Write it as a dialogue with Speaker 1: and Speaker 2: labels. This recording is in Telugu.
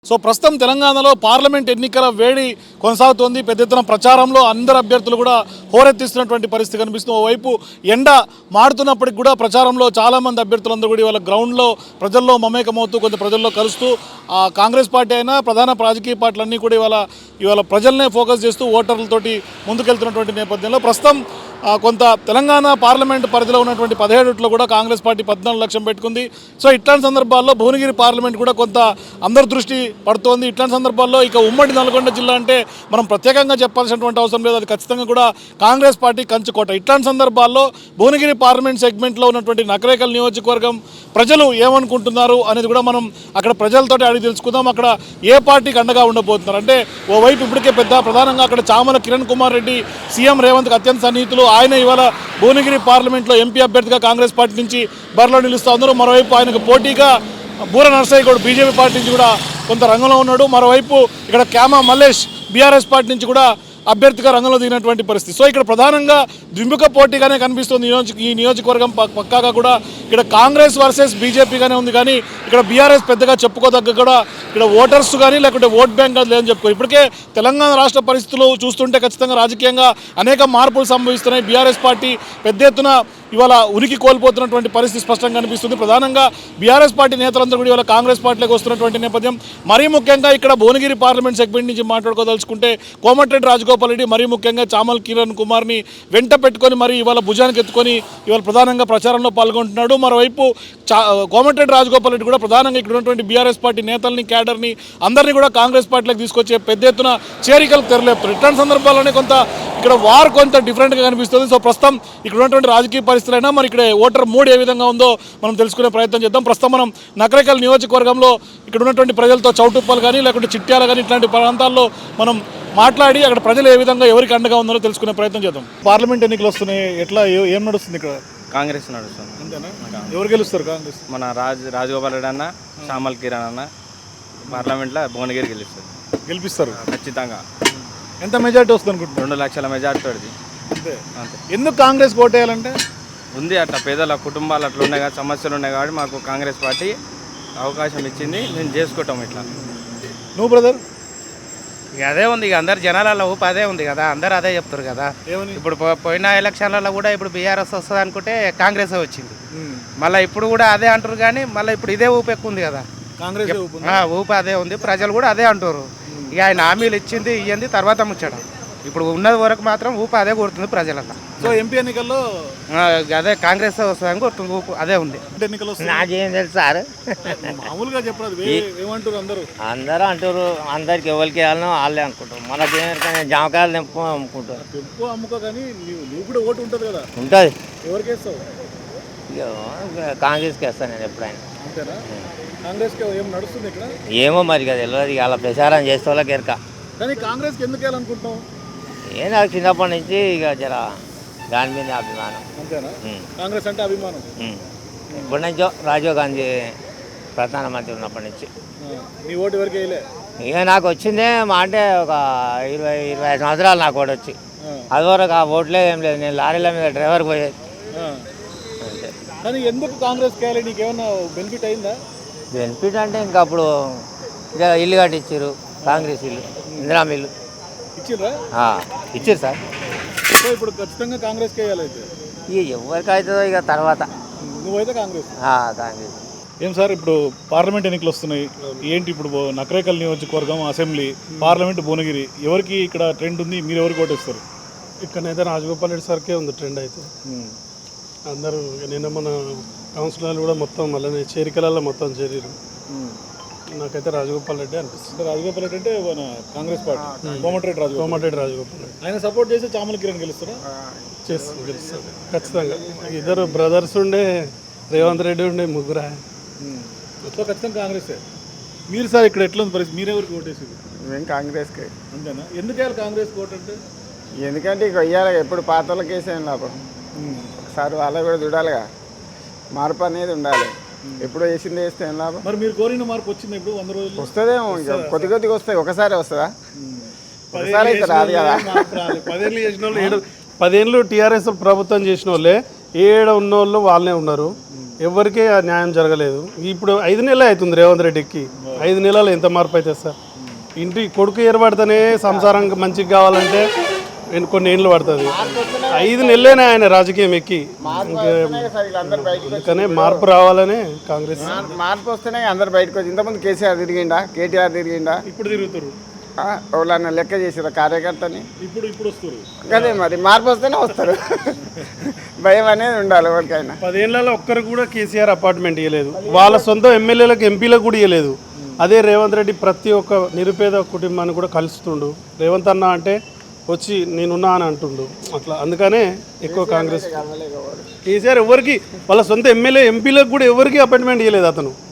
Speaker 1: సో ప్రస్తుతం తెలంగాణలో పార్లమెంట్ ఎన్నికల వేడి కొనసాగుతోంది. పెద్ద ఎత్తున ప్రచారంలో అందరు అభ్యర్థులు కూడా హోరెత్తిస్తున్నటువంటి పరిస్థితి కనిపిస్తుంది. ఓవైపు ఎండ మాడుతున్నప్పటికి కూడా ప్రచారంలో చాలామంది అభ్యర్థులందరూ కూడా ఇవాళ గ్రౌండ్లో ప్రజల్లో మమేకమవుతూ కొంత ప్రజల్లో కలుస్తూ కాంగ్రెస్ పార్టీ అయినా ప్రధాన రాజకీయ పార్టీలన్నీ కూడా ఇవాళ ప్రజలనే ఫోకస్ చేస్తూ ఓటర్లతోటి ముందుకెళ్తున్నటువంటి నేపథ్యంలో ప్రస్తుతం కొంత తెలంగాణ పార్లమెంట్ పరిధిలో ఉన్నటువంటి 17 కూడా కాంగ్రెస్ పార్టీ 14 లక్షం పెట్టుకుంది. సో ఇట్లాంటి సందర్భాల్లో భువనగిరి పార్లమెంట్ కూడా కొంత అందరి దృష్టి పడుతోంది. ఇట్లాంటి సందర్భాల్లో ఇక ఉమ్మడి నల్గొండ జిల్లా అంటే మనం ప్రత్యేకంగా చెప్పాల్సినటువంటి అవసరం లేదు, అది ఖచ్చితంగా కూడా కాంగ్రెస్ పార్టీ కంచుకోట. ఇట్లాంటి సందర్భాల్లో భువనగిరి పార్లమెంట్ సెగ్మెంట్లో ఉన్నటువంటి నకరేకల్ నియోజకవర్గం ప్రజలు ఏమనుకుంటున్నారు అనేది కూడా మనం అక్కడ ప్రజలతోటి అడిగి తెలుసుకుందాం. అక్కడ ఏ పార్టీకి అండగా ఉండబోతున్నారు అంటే ఓవైపు ఇప్పటికే ప్రధానంగా అక్కడ చామల కిరణ్ కుమార్ రెడ్డి సీఎం రేవంత్కి అత్యంత సన్నిహితులు. ఆయన ఇవాళ భువనగిరి పార్లమెంట్లో ఎంపీ అభ్యర్థిగా కాంగ్రెస్ పార్టీ నుంచి బరిలో నిలుస్తూ ఉన్నారు. మరోవైపు ఆయనకు పోటీగా బూర నర్సయ్య కూడా బీజేపీ పార్టీ నుంచి కూడా కొంత రంగంలో ఉన్నాడు. మరోవైపు ఇక్కడ క్యామా మల్లేష్ బీఆర్ఎస్ పార్టీ నుంచి కూడా అభ్యర్థిగా రంగంలో దిగినటువంటి పరిస్థితి. సో ఇక్కడ ప్రధానంగా ద్విముఖ పోటీగానే కనిపిస్తుంది ఈ నియోజకవర్గం. పక్కాగా కూడా ఇక్కడ కాంగ్రెస్ వర్సెస్ బీజేపీగానే ఉంది, కానీ ఇక్కడ బీఆర్ఎస్ పెద్దగా చెప్పుకోదగ్గ కూడా ఇక్కడ ఓటర్స్ కానీ లేకుంటే ఓట్ బ్యాంక్ కానీ లేదని చెప్పుకో. ఇప్పటికే తెలంగాణ రాష్ట్ర పరిస్థితులు చూస్తుంటే ఖచ్చితంగా రాజకీయంగా అనేక మార్పులు సంభవిస్తున్నాయి. బీఆర్ఎస్ పార్టీ పెద్ద ఎత్తున ఇవాళ ఉనికి కోల్పోతున్నటువంటి పరిస్థితి స్పష్టంగా కనిపిస్తుంది. ప్రధానంగా బీఆర్ఎస్ పార్టీ నేతలందరూ కూడా ఇవాళ కాంగ్రెస్ పార్టీలోకి వస్తున్నటువంటి నేపథ్యం. మరీ ముఖ్యంగా ఇక్కడ భువనగిరి పార్లమెంట్ సెగ్మెంట్ నుంచి మాట్లాడుకోదలుచుకుంటే కోమటిరెడ్డి రాజగోపాల్ రెడ్డి, మరీ ముఖ్యంగా చామల్ కిరణ్ కుమార్ని వెంట పెట్టుకొని మరి ఇవాళ భుజానికి ఎత్తుకొని ఇవాళ ప్రధానంగా ప్రచారంలో పాల్గొంటున్నాడు. మరోవైపు కోమటిరెడ్డి రాజగోపాల్ రెడ్డి కూడా ప్రధానంగా ఇక్కడ ఉన్నటువంటి బీఆర్ఎస్ పార్టీ నేతల్ని, క్యాడర్ని అందరినీ కూడా కాంగ్రెస్ పార్టీలోకి తీసుకొచ్చే పెద్ద ఎత్తున చేరికలకు తెరలేపుతారు. ఇట్లాంటి సందర్భాల్లోనే కొంత ఇక్కడ వార్ కొంత డిఫరెంట్గా కనిపిస్తుంది. సో ప్రస్తుతం ఇక్కడ ఉన్నటువంటి రాజకీయ పరిస్థితులైనా మరి ఇక్కడ ఓటర్ మూడ్ ఏ విధంగా ఉందో మనం తెలుసుకునే ప్రయత్నం చేద్దాం. ప్రస్తుతం మనం నకరేకల్ నియోజకవర్గంలో ఇక్కడ ఉన్నటువంటి ప్రజలతో చౌటుప్పలు కానీ లేకుంటే చిట్యాల కానీ ఇట్లాంటి ప్రాంతాల్లో మనం మాట్లాడి అక్కడ ప్రజలు ఏ విధంగా ఎవరికి అండగా ఉందో తెలుసుకునే ప్రయత్నం చేద్దాం. పార్లమెంట్ ఎన్నికలు వస్తున్నాయి, ఎట్లా ఏం నడుస్తుంది ఇక్కడ?
Speaker 2: కాంగ్రెస్ నడుస్తుంది.
Speaker 1: అంతేనా? ఎవరు గెలుస్తారు కాంగ్రెస్?
Speaker 2: మన రాజగోపాల్ రెడ్డి అన్న, చామల్ కిరణ్ అన్న పార్లమెంట్లో భువనగిరి
Speaker 1: గెలిపిస్తారు
Speaker 2: ఖచ్చితంగా.
Speaker 1: ఎంత మెజార్టీ వస్తుంది అనుకుంటున్నారు?
Speaker 2: 2 లక్షల మెజార్టీ పడింది.
Speaker 1: అంతే. ఎందుకు కాంగ్రెస్ ఓటేయాలంటే
Speaker 2: ఉంది అట్లా పేదల కుటుంబాలు అట్లా ఉన్నాయి కదా, సమస్యలు ఉన్నాయి కాబట్టి మాకు కాంగ్రెస్ పార్టీ అవకాశం ఇచ్చింది, మేము చేసుకుంటాం ఇట్లా.
Speaker 1: నువ్వు బ్రదర్?
Speaker 3: ఇక అదే ఉంది, ఇక అందరు జనాలలో ఊపు అదే ఉంది కదా, అందరు అదే చెప్తారు కదా. ఇప్పుడు పోయిన ఎలక్షన్లలో కూడా ఇప్పుడు బీఆర్ఎస్ వస్తుంది అనుకుంటే కాంగ్రెస్ వచ్చింది, మళ్ళీ ఇప్పుడు కూడా అదే అంటారు. కానీ మళ్ళీ ఇప్పుడు ఇదే ఊపు ఎక్కువ ఉంది కదా,
Speaker 1: కాంగ్రెస్
Speaker 3: ఊపు అదే ఉంది, ప్రజలు కూడా అదే అంటారు. ఇక ఆయన హామీలు ఇచ్చింది ఇయ్యింది తర్వాత ముచ్చడం, ఇప్పుడు ఉన్నది వరకు మాత్రం ఊపు అదే కొడుతుంది ప్రజలల్లో.
Speaker 1: సో ఎంపీ ఎన్నికల్లో
Speaker 3: అదే కాంగ్రెస్ వస్తుందని కొడుతుంది, ఊపు అదే ఉంది.
Speaker 1: ఎన్నికలు
Speaker 4: నాకేం తెలుసు సార్,
Speaker 1: మామూలుగా చెప్పరాదు, ఏమంటారు
Speaker 4: అందరూ అంటారు, అందరికి ఎవరికి వెళ్ళినా వాళ్ళే అనుకుంటారు. మనకేమైనా జామకాయలు తెంపు అమ్ముకుంటారు,
Speaker 1: తెంపు అమ్ముకో. కానీ నువ్వు కూడా ఓటు ఉంటుంది కదా,
Speaker 4: ఉంటుంది.
Speaker 1: ఎవరికి వేస్తావు?
Speaker 4: కాంగ్రెస్కి వేస్తాను నేను ఎప్పుడైనా.
Speaker 1: అంతేనా? కాంగ్రెస్కి ఏం నడుస్తుంది ఇక్కడ?
Speaker 4: ఏమో మరి కదా తెలియదు, ఇక అలా ప్రచారం చేసే వాళ్ళకి ఎరక.
Speaker 1: కానీ కాంగ్రెస్కి ఎందుకు వెళ్ళాలనుకుంటున్నావు?
Speaker 4: ఏం నాకు చిన్నప్పటి నుంచి ఇక జర దాని మీద అభిమానం.
Speaker 1: అంతేనా? కాంగ్రెస్ అంటే అభిమానం
Speaker 4: ఇప్పటి నుంచో రాజీవ్ గాంధీ ప్రధానమంత్రి ఉన్నప్పటి నుంచి.
Speaker 1: నీ ఓటు ఎవరికి వేయలే?
Speaker 4: ఇక నాకు వచ్చిందే మా అంటే ఒక 20-25 సంవత్సరాలు నాకు ఓటు వచ్చి, అదివరకు ఆ ఓట్లే ఏం లేదు, నేను లారీల మీద డ్రైవర్ పోయేది. అంతే.
Speaker 1: కానీ ఎందుకు కాంగ్రెస్కి వెళ్ళి నీకేమన్నా బెనిఫిట్ అయిందా?
Speaker 4: బెనిఫిట్ అంటే ఇంకా అప్పుడు ఇక ఇల్లు కట్టించారు, కాంగ్రెస్ ఇల్లు, ఇందిరా ఇల్లు
Speaker 1: ఇచ్చిర్రా?
Speaker 4: ఇచ్చారు సార్.
Speaker 1: సో ఇప్పుడు ఖచ్చితంగా కాంగ్రెస్కి వేయాలైతే
Speaker 4: ఇక ఎవరికి అవుతుందో ఇక తర్వాత.
Speaker 1: నువ్వైతే కాంగ్రెస్?
Speaker 4: కాంగ్రెస్.
Speaker 1: ఏం సార్, ఇప్పుడు పార్లమెంట్ ఎన్నికలు వస్తున్నాయి, ఏంటి ఇప్పుడు నకరేకల్ నియోజకవర్గం అసెంబ్లీ, పార్లమెంట్ భువనగిరి, ఎవరికి ఇక్కడ ట్రెండ్ ఉంది? మీరు ఎవరికి ఓటేస్తారు?
Speaker 5: ఇక్కడైతే రాజగోపాల్ రెడ్డి సార్కే ఉంది ట్రెండ్ అయితే. అందరూ నిన్న మన కౌన్సిలర్లు కూడా మొత్తం మళ్ళీ చేరికలలో మొత్తం చేరారు. నాకైతే రాజగోపాల్ రెడ్డి అనిపిస్తుంది.
Speaker 1: రాజగోపాల్ రెడ్డి అంటే మన కాంగ్రెస్ పార్టీ, కోమటిరెడ్డి రాజగోపాల్ రెడ్డి. ఆయన సపోర్ట్ చేసి చామల కిరణ్ గెలుస్తారా?
Speaker 5: గెలుస్తారు ఖచ్చితంగా. ఇద్దరు బ్రదర్స్ ఉండే, రేవంత్ రెడ్డి ఉండే, ముగ్గురు.
Speaker 1: సో ఖచ్చితంగా కాంగ్రెస్. మీరు సార్ ఇక్కడ ఎట్లా ఉంది పరిస్థితి? మీరెవరికి ఓటేసింది?
Speaker 6: మేము కాంగ్రెస్కి.
Speaker 1: అంతేనా? ఎందుకు వేయాలి కాంగ్రెస్ ఓటు అంటే?
Speaker 6: ఎందుకంటే ఇక వెయ్యాలి, ఎప్పుడు పాత వాళ్ళకి వేసేయం లాభం. ఒకసారి వాళ్ళకి కూడా చూడాలిగా, మార్పు అనేది ఉండాలి. ఎప్పుడు వేసింది వేస్తే ఏం లాభం?
Speaker 1: మరి మీరు కోరిన మార్పు వచ్చింది ఇప్పుడు 100 రోజులు
Speaker 6: వస్తుందేమో, ఇంకా కొద్దిగా వస్తాయి. ఒకసారి వస్తుందా? ఒకసారి అయితే రాదు కదా.
Speaker 5: 10 ఏళ్ళు చేసిన వాళ్ళు 10 ఏళ్ళు టీఆర్ఎస్ ప్రభుత్వం చేసిన వాళ్ళే, 7 ఉన్న వాళ్ళు వాళ్ళే ఉన్నారు. ఎవరికీ ఆ న్యాయం జరగలేదు. ఇప్పుడు 5 నెలలు అవుతుంది రేవంత్ రెడ్డికి. 5 నెలలు ఎంత మార్పు అవుతుంది సార్? ఇంటి కొడుకు ఏర్పడితేనే సంసారం మంచిగా కావాలంటే కొన్ని ఏళ్ళు పడుతుంది. 5 నెలలేనే ఆయన రాజకీయం ఎక్కి. అందుకనే మార్పు రావాలనే కాంగ్రెస్.
Speaker 6: మార్పు వస్తేనే అందరు బయటకు వచ్చి ఇంతకుముందు కేసీఆర్ తిరిగిండా, కేటీఆర్ తిరిగిండా,
Speaker 5: ఇప్పుడు తిరుగుతారు,
Speaker 6: ఎవరన్నా లెక్క చేసారు కార్యకర్తని.
Speaker 5: ఇప్పుడు వస్తారు.
Speaker 6: అదే మరి మార్పు వస్తేనే వస్తారు. భయం అనేది ఉండాలి ఎవరికైనా.
Speaker 5: 10 ఏళ్లలో ఒక్కరు కూడా కేసీఆర్ అపార్ట్మెంట్ ఇవ్వలేదు. వాళ్ళ సొంత ఎమ్మెల్యేలకు ఎంపీలకు కూడా ఇవ్వలేదు. అదే రేవంత్ రెడ్డి ప్రతి ఒక్క నిరుపేద కుటుంబాన్ని కూడా కలుస్తుండు. రేవంత్ అన్న అంటే వచ్చి నేనున్నా అని అంటుండు అట్లా. అందుకనే ఎక్కువ కాంగ్రెస్. కేసీఆర్ ఎవరికి వాళ్ళ సొంత ఎమ్మెల్యే ఎంపీలకు కూడా ఎవరికి అపాయింట్మెంట్ ఇవ్వలేదు అతను.